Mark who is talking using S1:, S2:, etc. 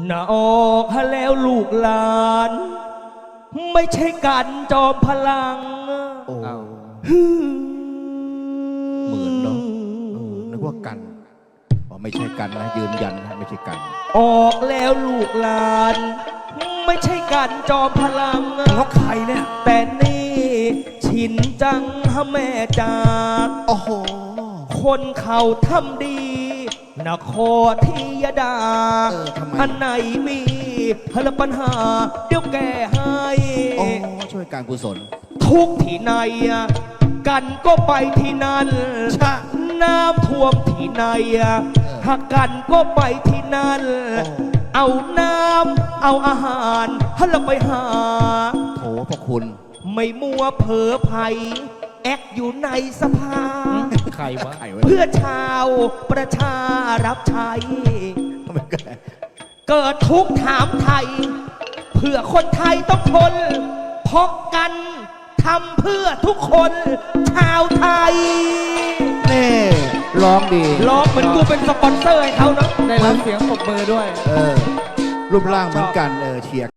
S1: น่าออกฮะแล้วลูกหลาน ไม่ใช่กันจอมพลัง
S2: โอ้เหมือนเนาะนึกว่ากันไม่ใช่กันนะยืนยันนะไม่ใใช่กัน
S1: ออกแล้วลูกหลาน ไม่ใช่กันจอมพลัง
S2: แล้วใครเนี่ย
S1: แต่นี่ชินจังฮะแม่จาก
S2: โอ้โห
S1: คนเขาทำดีนครที่ยดา
S2: ทำไม
S1: อันไหนมีปัญหาเดี๋ยวแก้ให้
S2: โอ้ช่วยการกุศล
S1: ทุกที่ไหนกันก็ไปที่นั่น
S2: ชะ
S1: น้ำท่วมที่ไหนหากกันก็ไปที่นั่น เอาน้ำเอาอาหารให้เราไปหา
S2: โถพระคุณ
S1: ไม่มัวเผลอภัยแอกอยู่ในสภา
S2: ใครวะใครวะ
S1: เพื่อชาวประชารับใช้
S2: ทำไมกัน
S1: เกิดทุกข์ถามไทย เพื่อคนไทยต้องทนเพราะกันทำเพื่อทุกคนชาวไทย
S2: เน่ร้องดี
S1: ร้องเหมือนกูเป็นสปอนเซอร์ให้เขาเนาะ
S3: ได้รับเสียงปรบมือด้วย
S2: รูปร่างเหมือนกันเชียร์